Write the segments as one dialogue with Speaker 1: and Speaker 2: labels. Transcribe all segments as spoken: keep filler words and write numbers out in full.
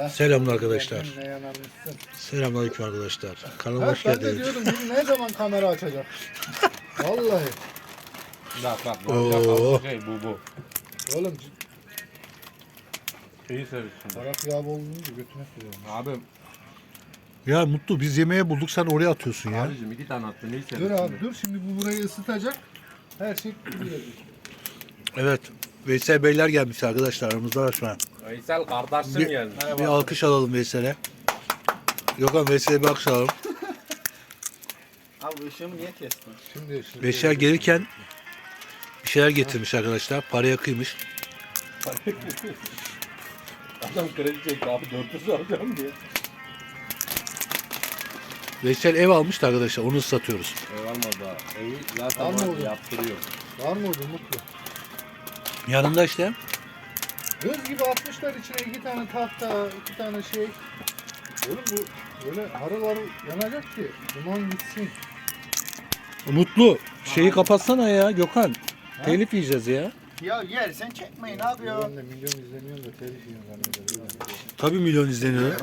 Speaker 1: Selamlar arkadaşlar.
Speaker 2: Ne yanarmışsın.
Speaker 1: Selamünaleyküm arkadaşlar. Kanalıma
Speaker 2: Ha,
Speaker 1: hoş
Speaker 2: ben de
Speaker 1: geldiniz.
Speaker 2: diyordum biri ne zaman kamera açacak? Vallahi.
Speaker 3: Bak bak.
Speaker 1: Oo.
Speaker 3: Bak, şey bu bu.
Speaker 2: Oğlum
Speaker 3: Şeyi sevmişsin.
Speaker 2: taraf yağ olduğunu götüne sürüyorum.
Speaker 3: Abi,
Speaker 1: Ya Mutlu biz yemeğe bulduk sen oraya atıyorsun ya.
Speaker 3: abicim iki tane attın. Neyi
Speaker 2: Dur
Speaker 3: sevmişsin?
Speaker 2: abi dur şimdi bu burayı ısıtacak. Her şey gidiyor.
Speaker 1: Evet. Veysel Beyler gelmiş arkadaşlar aramızda var şu an.
Speaker 3: Veysel kardeşim
Speaker 1: Bir,
Speaker 3: gelmiş.
Speaker 1: bir alkış alalım Veysel'e. Gökhan Veysel'e bir alkış alalım.
Speaker 4: Abi ışığımı niye kestin?
Speaker 2: Şimdi, şimdi
Speaker 1: Veysel gelirken bir şeyler getirmiş arkadaşlar. Paraya kıymış.
Speaker 3: Adam kredi çekti abi dört yüz alacağım diye.
Speaker 1: Veysel ev almıştı arkadaşlar onu satıyoruz.
Speaker 3: Ev almadı daha. Evi zaten
Speaker 2: Alma
Speaker 3: var,
Speaker 2: oğlum.
Speaker 3: yaptırıyor.
Speaker 2: var mı orada mutlu?
Speaker 1: Yanında işte.
Speaker 2: Göz gibi atmışlar içine iki tane tahta, iki tane şey. Oğlum bu böyle harıl harıl yanacak ki duman gitsin.
Speaker 1: Mutlu şeyi kapatsana ya Gökhan. Telif yiyeceğiz ya.
Speaker 4: Ya yersen çekmeyin abi ya.
Speaker 2: Ben de milyon izleniyorum da telif yiyorum zannederim.
Speaker 1: Tabii milyon izleniyor.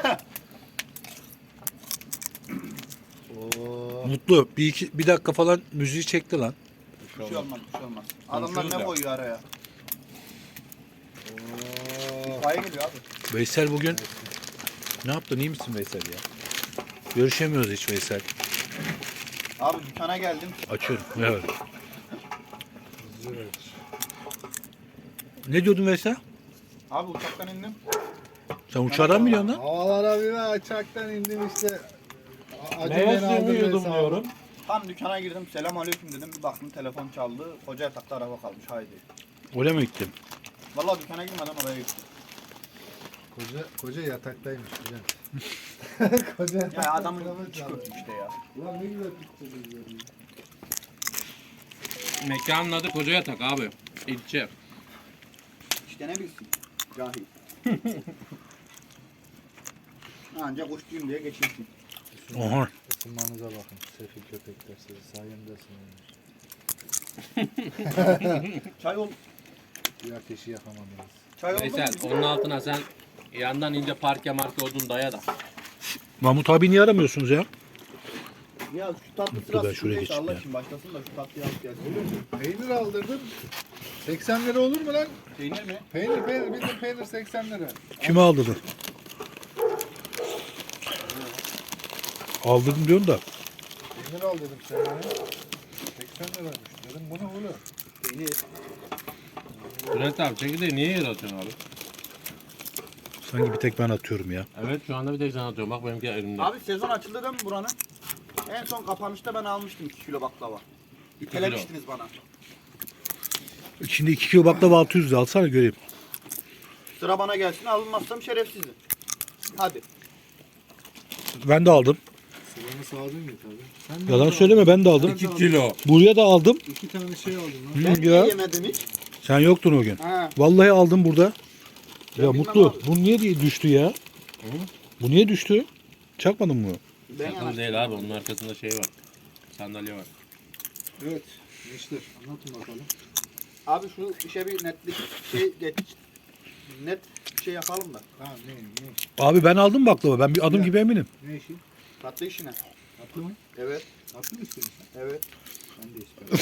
Speaker 2: Oo.
Speaker 1: Mutlu bir iki bir dakika falan müziği çekti lan.
Speaker 4: Bir şey olmaz, bir şey olmaz. Adamlar ne koyuyor araya?
Speaker 2: Oo.
Speaker 4: Paya geliyor abi.
Speaker 1: Veysel bugün ne yaptın iyi misin Veysel ya? Görüşemiyoruz hiç Veysel.
Speaker 4: Abi dükkana geldim.
Speaker 1: Açıyorum. Evet.
Speaker 2: Evet.
Speaker 1: Ne diyordun Veysel?
Speaker 4: Abi uçaktan indim.
Speaker 1: Sen uçağdan mı biliyorsun lan?
Speaker 2: Havalara bir ben uçaktan indim işte. Acı
Speaker 3: Meyve
Speaker 2: beni aldı
Speaker 3: suyumu
Speaker 2: hesabı.
Speaker 3: yudumluyorum.
Speaker 4: Tam dükkana girdim. Selam aleyküm dedim. Bir baktım telefon çaldı. Koca yatakta araba kalmış. Haydi.
Speaker 1: Oraya mı gittin?
Speaker 4: Vallahi dükkana girmeden oraya gittim.
Speaker 2: Koca, koca yataktaymış güzel. Koca yatakta
Speaker 4: Ya adamın
Speaker 2: telefon
Speaker 4: içi
Speaker 2: çaldı.
Speaker 4: kötü işte ya.
Speaker 2: Ulan ne güzel tuttu.
Speaker 3: Mekanın adı Koca Yatak abi. İlçe.
Speaker 4: İşte ne bilsin. Cahil. Ancak uçtuyum diye geçirsin.
Speaker 1: Oha.
Speaker 2: Isınmanıza bakın. Sefil köpekler sizi sayemde ısınıyormuş.
Speaker 4: Çay ol.
Speaker 2: Bir ateşi yakamadınız.
Speaker 4: Çay oldu mu?
Speaker 3: Veysel onun altına sen yandan ince parke marke odun daya da.
Speaker 1: Mahmut abi niye aramıyorsunuz ya?
Speaker 4: Ya şu tatlı
Speaker 1: Mutlu
Speaker 4: sırası
Speaker 1: ben şuraya
Speaker 4: neyse
Speaker 1: geçeyim
Speaker 4: Allah
Speaker 1: ya.
Speaker 4: için başlasın da şu tatlıyı alıp gelsin.
Speaker 2: Peynir aldırdım. seksen lira olur mu lan?
Speaker 4: Peynir mi?
Speaker 2: Peynir peynir bildim peynir seksen lira.
Speaker 1: Kime aldırdın? Aldırdım diyorsun da.
Speaker 2: Peynir al dedim sen bana. seksen liraymış. Dedim bu ne oğlum?
Speaker 4: Peynir.
Speaker 3: Bülent abi çekirdeği niye yere atıyorsun abi?
Speaker 1: Sanki bir tek ben atıyorum ya.
Speaker 3: Evet şu anda bir tek sen atıyorsun. Bak benimki elimde.
Speaker 4: Abi sezon açıldı değil mi buranın? En son kapanışta ben almıştım iki kilo baklava. İtelemiştiniz bana.
Speaker 1: Şimdi iki kilo baklava altı yüz lira alsana göreyim.
Speaker 4: Sıra bana gelsin alınmazsam şerefsizim. Hadi.
Speaker 1: Ben de aldım.
Speaker 2: Sıranı sağdın ya tabii. Sen de
Speaker 1: Yalan
Speaker 2: aldın.
Speaker 1: söyleme ben de aldım.
Speaker 3: iki kilo.
Speaker 1: Buraya da aldım.
Speaker 2: İki tane şey aldın lan.
Speaker 1: Hı,
Speaker 4: Ben niye
Speaker 1: ya.
Speaker 4: yemedim hiç?
Speaker 1: Sen yoktun o gün.
Speaker 4: Ha.
Speaker 1: Vallahi aldım burada.
Speaker 4: Ben
Speaker 1: Ya
Speaker 4: bilmem
Speaker 1: Mutlu
Speaker 4: abi.
Speaker 1: bu niye diye düştü ya? Bu niye düştü? Çakmadın mı?
Speaker 4: Ben
Speaker 3: Sakın
Speaker 4: yanaştım.
Speaker 3: değil abi onun arkasında şey var. Sandalye var.
Speaker 2: Evet. Gençler anlatın bakalım.
Speaker 4: Abi şu işe bir netlik şey geç. Net bir şey yapalım da.
Speaker 2: Ha ne ne
Speaker 1: Abi ben aldım baklava. Ben bir adım
Speaker 2: Ya.
Speaker 1: gibi eminim.
Speaker 2: ne işi?
Speaker 4: Tatlı işine.
Speaker 2: Tatlı mı?
Speaker 4: Evet.
Speaker 2: Tatlı mı istiyorsun?
Speaker 4: Evet.
Speaker 2: Ben de istiyorum.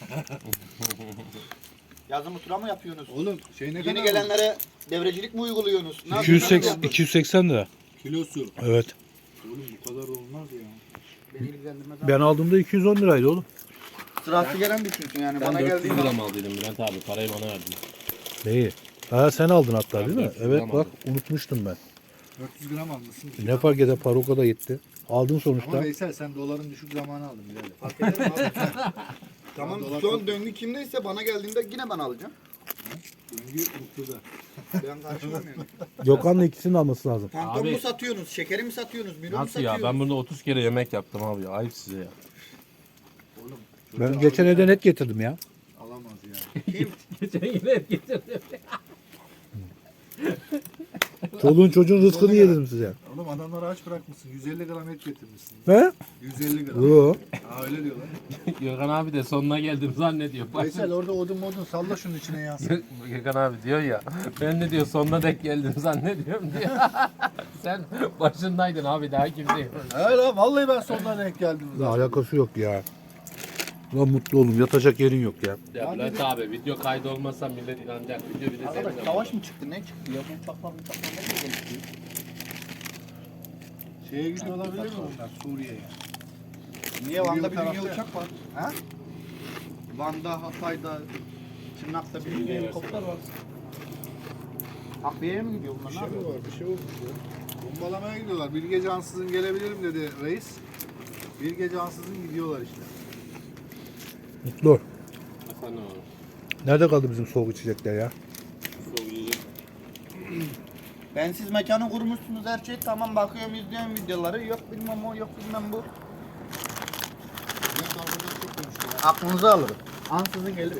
Speaker 4: Yazın mutura mı yapıyorsunuz?
Speaker 2: Oğlum şey ne
Speaker 4: Yeni
Speaker 2: kadar?
Speaker 4: gelenlere devrecilik mi uyguluyorsunuz? Ne
Speaker 1: iki yüz
Speaker 4: yapıyorsunuz?
Speaker 1: seksen, iki yüz seksen lira.
Speaker 2: Kilosu.
Speaker 1: Evet.
Speaker 2: Oğlum bu kadar olmaz ya.
Speaker 4: Beni ilgilendirmez abi.
Speaker 1: Ben aldığımda iki yüz on liraydı oğlum.
Speaker 4: Sırası gelen düşünsün yani.
Speaker 3: Ben
Speaker 4: Bana
Speaker 3: dört yüz
Speaker 4: geldiğinde
Speaker 3: gram aldıydım Bülent abi. Parayı bana verdin.
Speaker 1: Neyi? Ha sen aldın hatta
Speaker 3: Ben
Speaker 1: değil mi?
Speaker 3: dört yüz
Speaker 1: Evet
Speaker 3: gram
Speaker 1: bak
Speaker 3: aldım.
Speaker 1: unutmuştum ben.
Speaker 2: dört yüz gram almışsın.
Speaker 1: Ne fark eder para o kadar gitti. Aldın
Speaker 2: Ama
Speaker 1: sonuçta.
Speaker 2: Veysel sen doların düşük zamanı aldın birader.
Speaker 4: Fark eder mi abi? Tamam
Speaker 2: Dolar
Speaker 4: şu
Speaker 2: çok-
Speaker 4: an döngü kimdeyse bana geldiğinde yine ben alacağım.
Speaker 2: Döngü mutluda.
Speaker 4: Ben karşılamam yani.
Speaker 1: Gökhan'la ikisinin alması lazım.
Speaker 4: Tampon
Speaker 3: Abi-
Speaker 4: mu satıyorsunuz? Şekeri mi satıyorsunuz? Milo mu
Speaker 3: Nasıl ya?
Speaker 4: satıyorsunuz?
Speaker 3: Ben burada otuz kere yemek yaptım abi ya. Ayıp size ya.
Speaker 2: Oğlum.
Speaker 1: Ben
Speaker 2: çocuğa
Speaker 1: geçen
Speaker 2: alacağım,
Speaker 1: evde net getirdim ya.
Speaker 2: alamaz ya.
Speaker 4: Kim?
Speaker 3: Geçen yine getirdim.
Speaker 1: Çoluğun çocuğun rızkını yedim size.
Speaker 2: Oğlum adamları aç bırakmışsın. yüz elli gram et getirmişsin.
Speaker 1: He?
Speaker 2: yüz elli gram.
Speaker 1: Yo.
Speaker 2: Ha öyle diyorlar.
Speaker 3: Gökhan abi de sonuna geldim zannediyor.
Speaker 2: Veysel orada odun modun salla şunun içine yansın.
Speaker 3: Gökhan abi diyor ya, ben de diyor sonuna dek geldim zannediyorum diyor. Sen başındaydın abi, daha kimse yok.
Speaker 2: He lan vallahi ben sonuna denk geldim.
Speaker 1: Ne alakası yok ya. Lan mutlu oğlum yatacak yerin yok ya.
Speaker 3: Ya Bülent abi, video kaydı olmasa millet inanacak. Video bir de
Speaker 4: Arkadaş
Speaker 3: seninle.
Speaker 4: savaş mı çıktı? Ne çıktı ya? Bu uçaklar uçaklar ne diye gelişti?
Speaker 2: Şeye gidiyor olabilir mi onlar Suriye'ye?
Speaker 4: Niye Van'da bir dünya
Speaker 2: tarafta.
Speaker 4: uçak var? Ha? Van'da, Hatay'da, Tırnak'ta bir dünya helikopter var. Takviyeye mi gidiyor bunlar?
Speaker 2: Bir
Speaker 4: Ne
Speaker 2: şey mi
Speaker 4: yapıyor?
Speaker 2: var? Bir şey olmuş ya. Bombalamaya gidiyorlar. Bilge Cansız'ın gelebilirim dedi reis. Bilge Cansız'ın gidiyorlar işte.
Speaker 1: Mutlu.
Speaker 3: Hasan abi.
Speaker 1: Nerede kaldı bizim soğuk içecekler ya?
Speaker 3: Soğuk yiyecek.
Speaker 4: Ben siz mekanı kurmuşsunuz her şey tamam bakıyorum izliyorum videoları yok bilmem o yok bilmem bu.
Speaker 2: Bülent arkadan çok konuşuyor. ya.
Speaker 4: Aklınızı alırım. Ansızın gelirim.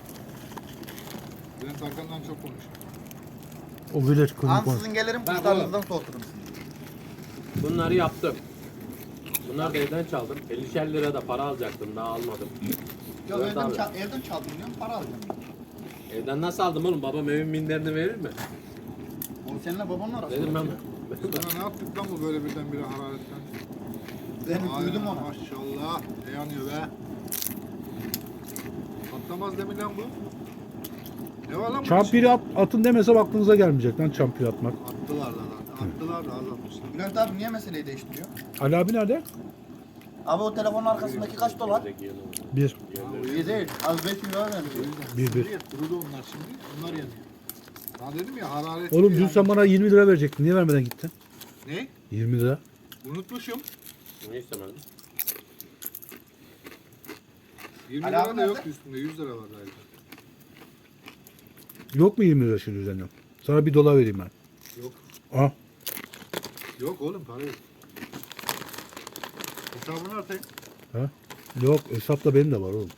Speaker 2: Bülent arkandan çok konuşuyor.
Speaker 1: O village kızı konuş.
Speaker 4: Ansızın gelirim
Speaker 3: Bak
Speaker 4: kızlarınızdan soğuturum sizi.
Speaker 3: Bunları yaptım. Bunlar da evden çaldım. ellişer lira da para alacaktım, daha almadım.
Speaker 4: Yok
Speaker 3: Evet
Speaker 4: evden,
Speaker 3: abi.
Speaker 4: çal, evden çaldım diyorum para alacağım.
Speaker 3: Evden nasıl aldım oğlum? Babam evin minderini verir mi?
Speaker 4: O seninle babanla arasında.
Speaker 3: Dedim ben.
Speaker 2: Sana ne yaptık lan bu böyle birdenbire hararetten?
Speaker 4: Ben
Speaker 2: Ay,
Speaker 4: duydum onu.
Speaker 2: Maşallah. Ne yanıyor be? Patlamaz demin lan bu. Ne var lan bu?
Speaker 1: Çampiri at, atın demesem aklınıza gelmeyecek lan çampiri atmak.
Speaker 2: Attılar da lan. Attılar da az atmışlar.
Speaker 4: Bülent abi niye meseleyi değiştiriyor?
Speaker 1: Ali abi nerede?
Speaker 4: Abi o telefonun arkasındaki kaç dolar?
Speaker 1: Bir.
Speaker 4: İyi değil. Az beş lira verdi.
Speaker 1: Bir bir.
Speaker 2: Suriye kurudu onlar şimdi. Onlar yanıyor. Ya dedim ya hararet.
Speaker 1: Oğlum dün sen bana yirmi lira verecektin. Niye vermeden gittin?
Speaker 2: Ne?
Speaker 1: yirmi lira.
Speaker 2: Unutmuşum.
Speaker 3: Ne istemedim?
Speaker 2: yirmi
Speaker 4: Ali
Speaker 2: lira
Speaker 4: abi
Speaker 2: da
Speaker 4: nerede?
Speaker 2: yok üstünde. yüz lira var galiba.
Speaker 1: Yok mu yirmi lira şimdi üzerine? Sana bir dolar vereyim ben.
Speaker 2: Yok.
Speaker 1: Ah.
Speaker 2: Yok oğlum para yok. Hesabını atayım.
Speaker 1: Ha? Yok hesapta benim de var oğlum.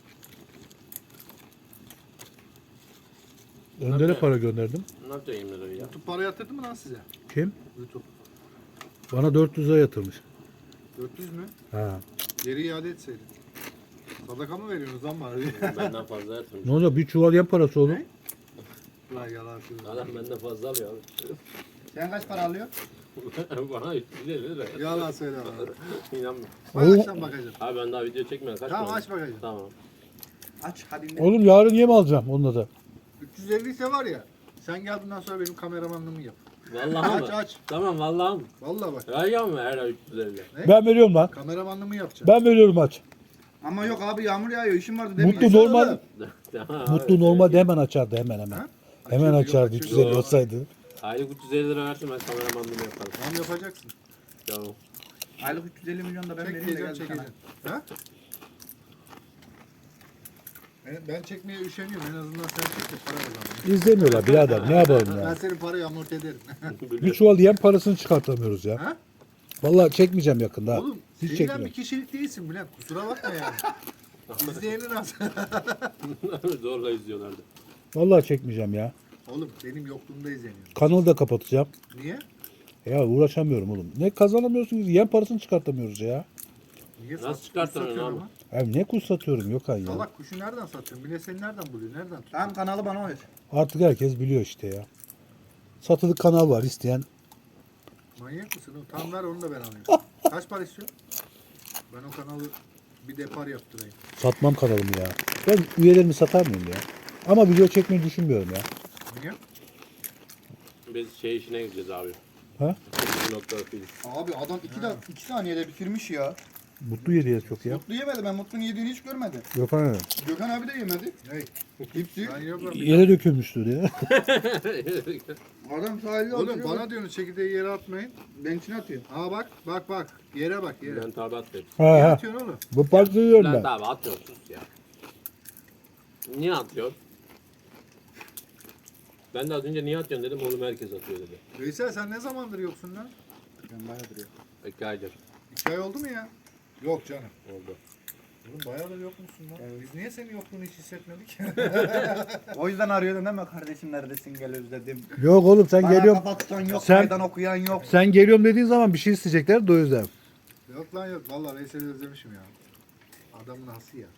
Speaker 1: Önder'e para gönderdim.
Speaker 3: Ne yapacaksın yirmi lirayı ya?
Speaker 2: YouTube para yatırdı mı lan size?
Speaker 1: Kim?
Speaker 2: YouTube.
Speaker 1: Bana dört yüz lira yatırmış.
Speaker 2: dört yüz mü?
Speaker 1: Ha.
Speaker 2: Geri iade etseydin. Sadaka mı veriyorsunuz lan bana?
Speaker 3: Benden fazla yatırmış.
Speaker 1: Ne olacak? Bir çuval yem parası oğlum.
Speaker 2: Ne? Lan yalan söylüyor.
Speaker 3: Adam benden fazla alıyor abi.
Speaker 4: Sen kaç para alıyor?
Speaker 3: Bana üç yüz elli lira.
Speaker 2: Yalan söyle bana.
Speaker 3: İnanmıyorum.
Speaker 2: Bak
Speaker 1: Oo.
Speaker 2: açtan bakacağım.
Speaker 3: Abi ben daha video çekmedim. Kaç
Speaker 2: Tamam
Speaker 3: para
Speaker 2: aç
Speaker 3: oldu?
Speaker 2: bakacağım.
Speaker 3: Tamam.
Speaker 4: Aç hadi ne?
Speaker 1: Oğlum yarın yem alacağım onunla da.
Speaker 2: üç yüz elli ise var ya. Sen gel bundan sonra benim kameramanlığımı yap.
Speaker 3: Vallahi
Speaker 2: Aç
Speaker 3: mı?
Speaker 2: aç.
Speaker 3: Tamam vallahi mı?
Speaker 2: Vallahi bak.
Speaker 3: Ya ya mı her ay üç yüz elli?
Speaker 1: Ben veriyorum lan.
Speaker 2: Kameramanlığımı yapacağım.
Speaker 1: Ben veriyorum aç.
Speaker 4: Ama yok abi yağmur yağıyor işim vardı demiyor.
Speaker 1: Mutlu normal.
Speaker 3: Tamam,
Speaker 1: Mutlu
Speaker 3: abi.
Speaker 1: normalde hemen açardı hemen hemen.
Speaker 2: Ha?
Speaker 1: Hemen
Speaker 2: Açıyor,
Speaker 1: açardı
Speaker 2: yok,
Speaker 1: üç yüz elli
Speaker 2: açıyor.
Speaker 1: olsaydı.
Speaker 3: Aylık üç yüz elli lira versin, ben kameramanlığımı yaparım.
Speaker 2: Tamam yapacaksın.
Speaker 3: Tamam.
Speaker 4: Aylık üç yüz elli milyon da ben vereyim de
Speaker 2: Çekmeyeceğim
Speaker 4: gel bir tane.
Speaker 2: çekeceğim. Ha? Ben, ben çekmeye üşeniyorum. En azından sen çek de para kazan.
Speaker 1: İzlemiyorlar birader ne yapalım
Speaker 2: Ben
Speaker 1: ya.
Speaker 2: senin parayı amorti ederim.
Speaker 1: Bir çuval yem parasını çıkartamıyoruz ya.
Speaker 2: Ha?
Speaker 1: Vallahi çekmeyeceğim yakında. ha.
Speaker 2: Oğlum
Speaker 1: Hiç
Speaker 2: sevilen
Speaker 1: çekmiyorum.
Speaker 2: bir kişilik değilsin Bülent. Kusura bakma yani. İzleyeni nasıl?
Speaker 3: Zorla izliyorlardı.
Speaker 1: Vallahi çekmeyeceğim ya.
Speaker 2: Oğlum benim yokluğumda izleniyor.
Speaker 1: Kanalı da kapatacağım.
Speaker 2: Niye?
Speaker 1: Ya uğraşamıyorum oğlum. Ne kazanamıyorsunuz? Yem parasını çıkartamıyoruz ya.
Speaker 2: Niye
Speaker 3: Nasıl
Speaker 2: sat-
Speaker 3: çıkartamıyorsun
Speaker 2: satıyorsun
Speaker 3: abi?
Speaker 2: ama?
Speaker 1: Ya ne kuş satıyorum Gökhan ya.
Speaker 2: Salak kuşu nereden satıyorsun? Bile seni nereden buluyor? Nereden tutuyor?
Speaker 4: Tamam kanalı bana ver.
Speaker 1: Artık herkes biliyor işte ya. Satılık kanal var isteyen.
Speaker 2: Manyak mısın? oğlum? Tamam ver onu da ben alayım. Kaç para istiyorsun? Ben o kanalı bir depar yaptırayım.
Speaker 1: Satmam kanalımı ya. Ben üyelerimi satar mıyım ya? Ama video çekmeyi düşünmüyorum ya.
Speaker 2: Niye?
Speaker 3: Biz şey işine gideceğiz abi.
Speaker 1: Ha?
Speaker 3: Bir nokta film.
Speaker 4: Abi adam iki, da, iki saniyede bitirmiş ya.
Speaker 1: Mutlu yediye çok ya.
Speaker 4: Mutlu yemedi ben Mutlu'nun yediğini hiç görmedim.
Speaker 1: Gökhan
Speaker 4: Gökhan abi de yemedi.
Speaker 2: Hey.
Speaker 4: Hepsi.
Speaker 2: Ben yapıyorum.
Speaker 1: yere dökülmüştür ya.
Speaker 4: Adam sahilde
Speaker 2: Oğlum
Speaker 4: oturuyor.
Speaker 2: bana diyorsun çekirdeği yere atmayın.
Speaker 4: Ben içine atıyor.
Speaker 2: Aa bak bak bak. Yere bak yere.
Speaker 3: Bülent abi atıyor.
Speaker 1: Ha
Speaker 2: Niye
Speaker 1: ha.
Speaker 2: atıyorsun oğlum?
Speaker 1: Bu parçayı yiyorum
Speaker 3: Bülent
Speaker 1: ben.
Speaker 3: abi atıyor sus ya. Niye atıyor? Ben de az önce niye atıyorsun dedim, oğlum herkes atıyor dedi.
Speaker 2: Veysel sen ne zamandır yoksun lan?
Speaker 4: Ben bayağıdır yok.
Speaker 3: İki aydır
Speaker 2: İki ay oldu mu ya? Yok canım.
Speaker 3: oldu.
Speaker 2: Oğlum bayağıdır yok musun lan? Biz niye senin yokluğunu hiç hissetmedik?
Speaker 4: O yüzden arıyordun değil mi kardeşim neredesin gel özledim.
Speaker 1: Yok oğlum sen
Speaker 4: Bana
Speaker 1: geliyorum.
Speaker 4: kapatsan yok,
Speaker 1: Sen-
Speaker 4: meydan okuyan yok.
Speaker 1: Sen geliyorum dediğin zaman bir şey isteyecekler de o yüzden.
Speaker 2: Yok lan yok. Vallahi Veysel'i özlemişim ya. Adamın hası ya.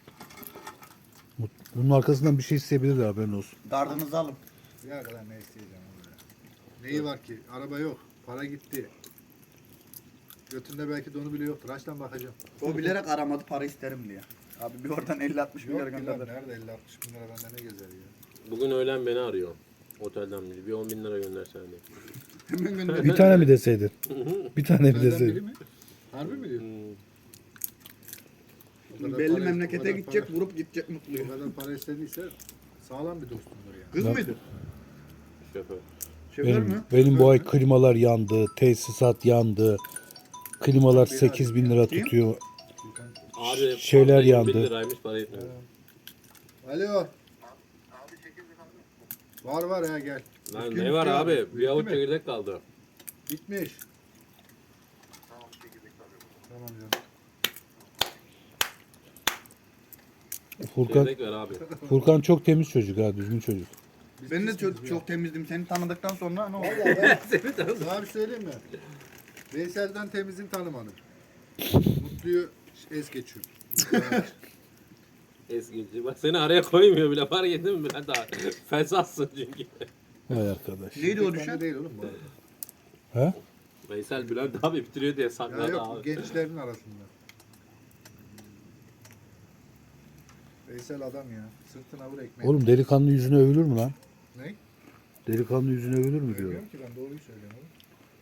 Speaker 1: Bunun arkasından bir şey isteyebilirler, haberin olsun.
Speaker 4: Gardınızı alın.
Speaker 2: Ya kadar ne isteyeceğim onu ya. Neyi var ki? Araba yok. Para gitti. Götünde belki donu bile yoktur. Açtan bakacağım.
Speaker 4: O bilerek aramadı para isterim diye. Abi bir oradan elli altmış
Speaker 2: Yok
Speaker 4: milyar
Speaker 2: ki lan,
Speaker 4: gönderdi.
Speaker 2: nerede elli altmış bin lira bende ne gezer ya.
Speaker 3: Bugün öğlen beni arıyor. Otelden biri. Bir on bin lira göndersene diye.
Speaker 4: Hemen gönder.
Speaker 1: Bir tane mi deseydin? Bir tane mi
Speaker 2: Benden biri
Speaker 1: deseydin?
Speaker 2: mi? Harbi mi diyor?
Speaker 3: Hmm.
Speaker 2: O kadar
Speaker 4: Belli
Speaker 2: para-
Speaker 4: memlekete
Speaker 2: o kadar
Speaker 4: gidecek,
Speaker 2: para-
Speaker 4: vurup gidecek mutluyu.
Speaker 2: O kadar para istediyse sağlam bir dostumdur yani.
Speaker 4: Kız
Speaker 1: Bak.
Speaker 4: mıydı?
Speaker 3: Şoför.
Speaker 4: Şoför
Speaker 1: Benim,
Speaker 4: mü?
Speaker 1: benim bu ay klimalar yandı, tesisat yandı. Klimalar sekiz bin lira tutuyor.
Speaker 3: Abi
Speaker 1: Şeyler
Speaker 3: fanta yirmi
Speaker 1: yandı.
Speaker 3: bir liraymış para etmedi.
Speaker 2: Alo. Var var ya gel.
Speaker 3: Lan
Speaker 2: Bitti
Speaker 3: ne var
Speaker 2: mi?
Speaker 3: abi?
Speaker 2: Bitti
Speaker 3: Bir avuç
Speaker 2: mi?
Speaker 3: çekirdek kaldı.
Speaker 2: Bitmiş. Tamam canım.
Speaker 1: Furkan,
Speaker 3: Çekirdek ver abi.
Speaker 1: Furkan çok temiz çocuk ha, düzgün çocuk.
Speaker 2: Biz
Speaker 4: Ben de
Speaker 2: pismiz
Speaker 4: çok,
Speaker 2: ya.
Speaker 4: çok temizdim. Seni tanıdıktan sonra ne oldu?
Speaker 2: Vallahi ben sana bir söyleyeyim mi? Veysel'den temizin tanımadım. Mutluyu es geçiyorum.
Speaker 3: Eskici. Bak seni araya koymuyor bile. Fark ettin mi Bülent abi? Fesatsın çünkü.
Speaker 1: Vay arkadaş.
Speaker 4: Neydi o
Speaker 2: Bende
Speaker 4: düşen?
Speaker 2: değil oğlum bu arada.
Speaker 1: He?
Speaker 3: Veysel Bülent abi bitiriyor diye
Speaker 2: Ya
Speaker 3: sakladı
Speaker 2: yok
Speaker 3: abi.
Speaker 2: gençlerin arasında. Veysel adam ya. Sırtına vur ekmeği.
Speaker 1: Oğlum delikanlı yüzüne övülür mü lan?
Speaker 2: Ne?
Speaker 1: Delikanlı yüzüne övülür mü diyor.
Speaker 2: Bilmiyorum ki ben doğruyu söylüyorum oğlum.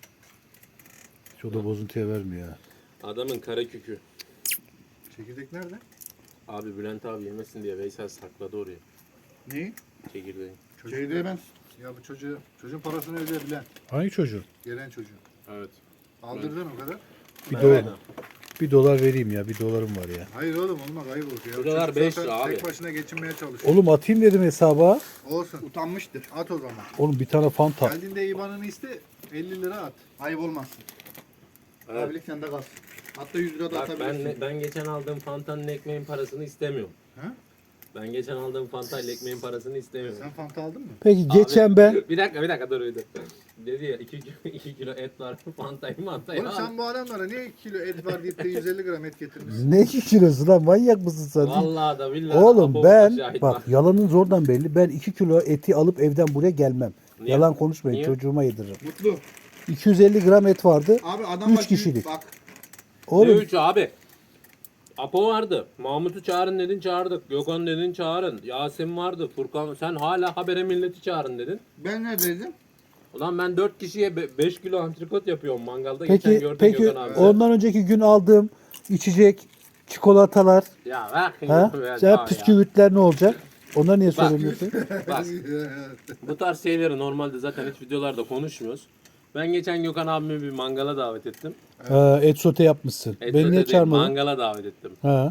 Speaker 1: Hiç o da bozuntuya vermiyor ya.
Speaker 3: Adamın kara kükü.
Speaker 2: Çekirdek nerede?
Speaker 3: Abi Bülent abi yemesin diye Veysel sakladı oraya.
Speaker 4: Neyi?
Speaker 3: Çekirdeği.
Speaker 4: Çekirdeği ben...
Speaker 2: Ya bu çocuğu, çocuğun parasını ödeyebilen.
Speaker 1: Hangi çocuğun?
Speaker 2: Gelen çocuğun.
Speaker 3: Evet.
Speaker 2: Aldırdın o kadar.
Speaker 1: Bir,
Speaker 3: Evet.
Speaker 1: dolar, bir dolar vereyim ya, bir dolarım var ya.
Speaker 2: Hayır oğlum olmaz ayıp olur ya.
Speaker 3: Bu dolar
Speaker 2: Çocuk
Speaker 3: beş
Speaker 2: zaten
Speaker 3: lira abi.
Speaker 2: Tek başına geçinmeye çalışıyor.
Speaker 1: Oğlum atayım dedim hesaba.
Speaker 2: Olsun.
Speaker 4: Utanmıştır.
Speaker 2: At o zaman.
Speaker 1: Oğlum bir tane fanta.
Speaker 2: Geldiğinde IBAN'ını iste elli lira at.
Speaker 4: Ayıp olmazsın.
Speaker 3: Evet.
Speaker 4: Abilik sende kalsın. Hatta yüz lira da
Speaker 3: Bak ben,
Speaker 4: atabilirsin.
Speaker 3: ben geçen aldığım Fanta'nın ekmeğin parasını istemiyorum.
Speaker 2: Ha?
Speaker 3: Ben geçen aldığım Fanta ile ekmeğin parasını istemiyorum.
Speaker 2: Sen Fanta aldın mı?
Speaker 1: Peki
Speaker 3: Abi,
Speaker 1: geçen ben
Speaker 3: Bir dakika bir dakika dur bir dur. Dedi ya iki kilo et var Fanta'yı Fanta'yı
Speaker 2: Oğlum
Speaker 3: al.
Speaker 2: sen bu adamlara niye iki kilo et var deyip de yüz elli gram et getirmişsin?
Speaker 1: ne iki kilosu lan, manyak mısın sen?
Speaker 3: Vallahi da billahi.
Speaker 1: Oğlum
Speaker 3: Apo
Speaker 1: ben
Speaker 3: şahit
Speaker 1: bak yalanın zordan belli. Ben iki kilo eti alıp evden buraya gelmem.
Speaker 3: Niye?
Speaker 1: Yalan konuşmayın,
Speaker 3: Niye?
Speaker 1: çocuğuma yediririm.
Speaker 4: Mutlu.
Speaker 1: iki yüz elli gram et vardı.
Speaker 4: Abi adam
Speaker 1: Üç
Speaker 4: bak,
Speaker 1: kişilik.
Speaker 4: Bak.
Speaker 3: Ne
Speaker 1: Oğlum
Speaker 3: üç abi? Apo vardı. Mahmut'u çağırın dedin çağırdık. Gökhan dedin çağırın. Yasin vardı. Furkan sen hala habere milleti çağırın dedin.
Speaker 4: Ben neredeydim?
Speaker 3: Ulan ben dört kişiye beş kilo antrikot yapıyorum mangalda. Geçen
Speaker 1: peki
Speaker 3: gördüm
Speaker 1: peki
Speaker 3: Gökhan abi.
Speaker 1: ondan önceki gün aldığım içecek, çikolatalar,
Speaker 3: Ya bak.
Speaker 1: ha?
Speaker 3: ya,
Speaker 1: Sen
Speaker 3: ya.
Speaker 1: püsküvitler ne olacak? Onları niye
Speaker 3: Bak.
Speaker 1: söylemiyorsun?
Speaker 3: Bak. Bu tarz şeyleri normalde zaten hiç videolarda konuşmuyoruz. Ben geçen Gökhan abimi bir mangala davet ettim.
Speaker 1: Ha, et sote yapmışsın.
Speaker 3: Et
Speaker 1: Beni
Speaker 3: sote
Speaker 1: niye
Speaker 3: değil,
Speaker 1: çağırmadın?
Speaker 3: Mangala davet ettim.
Speaker 1: Ha,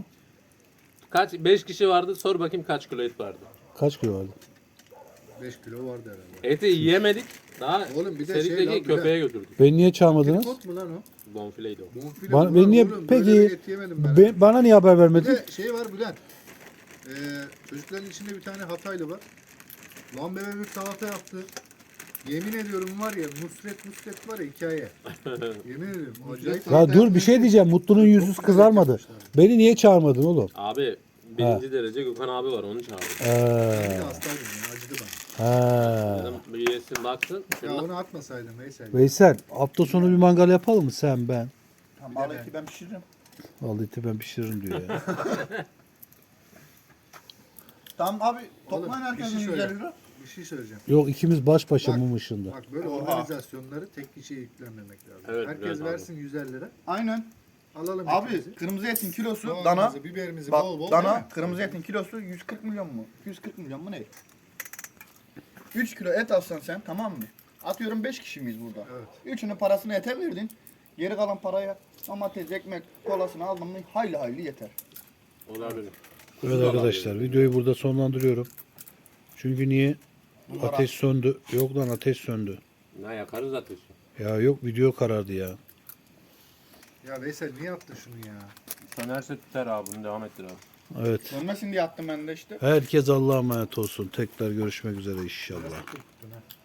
Speaker 3: Kaç beş kişi vardı. Sor bakayım kaç kilo et vardı.
Speaker 1: kaç kilo vardı?
Speaker 2: beş kilo vardı herhalde.
Speaker 3: Eti yiyemedik. Daha
Speaker 2: Oğlum bir de şey
Speaker 3: Serik'teki
Speaker 2: lan, bir
Speaker 3: köpeğe götürdük.
Speaker 1: Beni niye çağırmadınız?
Speaker 2: Tripod mu lan o?
Speaker 3: Bonfileydi o.
Speaker 2: Bonfile
Speaker 1: Bana,
Speaker 2: mi
Speaker 1: beni
Speaker 2: lan
Speaker 1: niye
Speaker 2: oğlum?
Speaker 1: peki
Speaker 2: Böyle bir et yemedim ben.
Speaker 1: be- bana niye haber
Speaker 2: Bir
Speaker 1: vermedin?
Speaker 2: de şey var Bülent. Ee, çocukların içinde bir tane Hataylı var. Lan bebe bir salata yaptı. Yemin ediyorum var ya Nusret Nusret var ya hikaye. Yemin ediyorum. Acayip.
Speaker 1: Ya dur bir şey diyeceğim. Mutlu'nun yüzü kızarmadı. Beni niye çağırmadın oğlum?
Speaker 3: Abi birinci derece Gökhan abi var onu çağırdım.
Speaker 2: Bir de
Speaker 1: Ee,
Speaker 2: hastaydım ya acıdı bana.
Speaker 1: ha.
Speaker 3: Dedim bir yesin baksın.
Speaker 2: Ya
Speaker 3: Şundan-
Speaker 2: onu atmasaydın Veysel.
Speaker 1: Veysel hafta sonu bir mangal yapalım mı sen ben?
Speaker 4: Tamam al eti ben pişiririm.
Speaker 1: Vallahi eti ben pişiririm diyor ya.
Speaker 4: Tamam abi
Speaker 2: Oğlum,
Speaker 4: toplayın
Speaker 2: bir
Speaker 4: herkesin
Speaker 2: şey
Speaker 4: yüz elli
Speaker 2: söyle.
Speaker 4: lira.
Speaker 2: Bir şey söyleyeceğim.
Speaker 1: Yok ikimiz baş başa
Speaker 2: Bak.
Speaker 1: mum ışığında.
Speaker 2: Bak böyle
Speaker 4: Oha.
Speaker 2: organizasyonları tek kişiye yüklenmemek lazım.
Speaker 3: Evet,
Speaker 2: Herkes
Speaker 3: biraz
Speaker 2: versin yüz elli lira.
Speaker 4: Aynen.
Speaker 2: Alalım
Speaker 4: Abi
Speaker 2: etimizi.
Speaker 4: kırmızı etin kilosu dana.
Speaker 2: Soğanımızı, biberimizi
Speaker 4: Bak
Speaker 2: bol bol.
Speaker 4: dana
Speaker 2: değil mi?
Speaker 4: kırmızı etin kilosu yüz kırk milyon mu? yüz kırk milyon mu ne? üç kilo et alsan sen tamam mı? Atıyorum beş kişi miyiz burada?
Speaker 2: Evet.
Speaker 4: Üçünün parasını ete verdin. Geri kalan paraya domates, ekmek, kolasını aldın mı hayli hayli yeter.
Speaker 3: Olabilir.
Speaker 1: Evet arkadaşlar videoyu burada sonlandırıyorum. Çünkü niye?
Speaker 4: Bunlar
Speaker 1: Ateş söndü. Yok lan ateş söndü.
Speaker 3: Ne yakarız ateşi.
Speaker 1: Ya yok video karardı ya.
Speaker 2: Ya Veysel niye attın şunu ya?
Speaker 3: Sönerse tutar abi bunu devam ettir abi.
Speaker 1: Evet.
Speaker 4: Dönmesin diye attım ben de işte.
Speaker 1: Herkes Allah'a emanet olsun. Tekrar görüşmek üzere inşallah.
Speaker 2: Tuttun ha.